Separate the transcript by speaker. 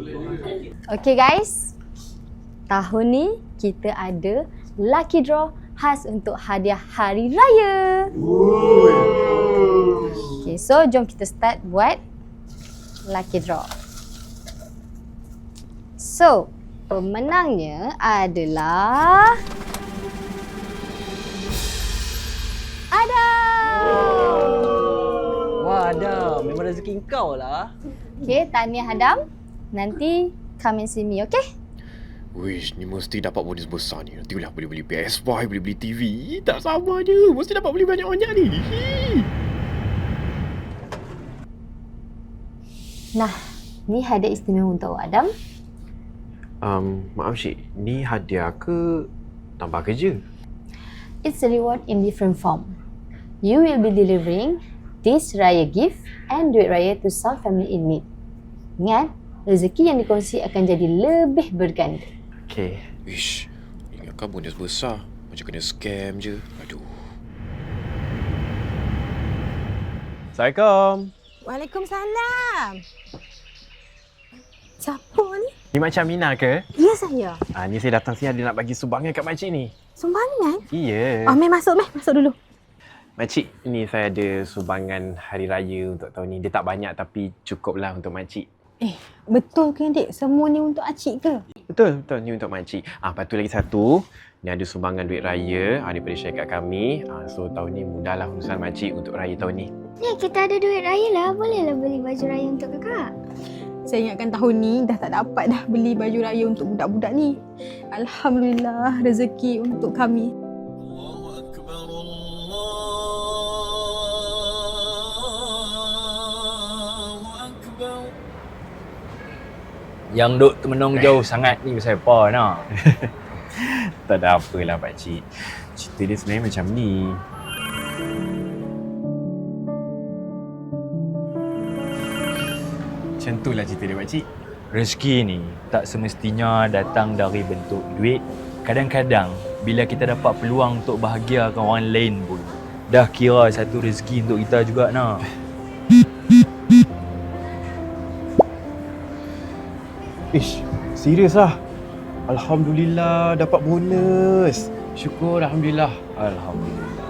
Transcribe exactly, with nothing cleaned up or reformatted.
Speaker 1: Okay guys, tahun ni kita ada lucky draw khas untuk hadiah hari raya. Okay, so jom kita start buat lucky draw. So, pemenangnya adalah Adam.
Speaker 2: Wah, Adam, memang rezeki kau lah.
Speaker 1: Okay, tahniah Adam. Nanti come and see me, okay?
Speaker 3: Wish, ni mesti dapat bonus besar ni. Nanti lah boleh beli P S five, boleh beli T V. Tak sabar je. Mesti dapat beli banyak-banyak ni.
Speaker 1: Nah, ni hadiah istimewa untuk Adam.
Speaker 3: Um, maaf Syed, ni hadiah ke tambah kerja?
Speaker 1: It's a reward in different form. You will be delivering this raya gift and duit raya to some family in need. Ingat, rezeki yang dikongsi akan jadi lebih berganda.
Speaker 3: Okay. Wish, ingatkan bonus besar. Macam kena scam je. Aduh.
Speaker 2: Assalamualaikum.
Speaker 4: Waalaikumsalam. Siapa ni?
Speaker 2: Ni Makcik Aminah ke?
Speaker 4: Ya, saya.
Speaker 2: Ah, ni saya datang sini ada nak bagi sumbangan kat makcik ni.
Speaker 4: Sumbangan?
Speaker 2: Iya.
Speaker 4: Oh, Meh masuk, Meh. Masuk dulu.
Speaker 2: Makcik, ini saya ada sumbangan hari raya untuk tahun ni. Dia tak banyak tapi cukuplah untuk makcik.
Speaker 4: Eh, betul ke, Dik? Semua ni untuk Acik ke?
Speaker 2: Betul, betul. Ni untuk makcik. Ah, lepas tu lagi satu. Ni ada sumbangan duit raya ah, daripada syarikat kami. Ah, so tahun ni mudahlah urusan makcik untuk raya tahun ni.
Speaker 5: Ni kita ada duit raya lah. Bolehlah beli baju raya untuk kakak.
Speaker 4: Saya ingatkan tahun ni dah tak dapat dah beli baju raya untuk budak-budak ni. Alhamdulillah rezeki untuk kami.
Speaker 6: Yang duk termenung jauh sangat ni pasal apa nak?
Speaker 2: Tak ada apalah pakcik. Cerita dia sebenarnya macam ni. Macam tu lah cerita dia pakcik.
Speaker 6: Rezeki ni tak semestinya datang dari bentuk duit. Kadang-kadang bila kita dapat peluang untuk bahagiakan orang lain pun dah kira satu rezeki untuk kita juga nak.
Speaker 2: Ish, serius lah. Alhamdulillah dapat bonus. Syukur Alhamdulillah.
Speaker 6: Alhamdulillah.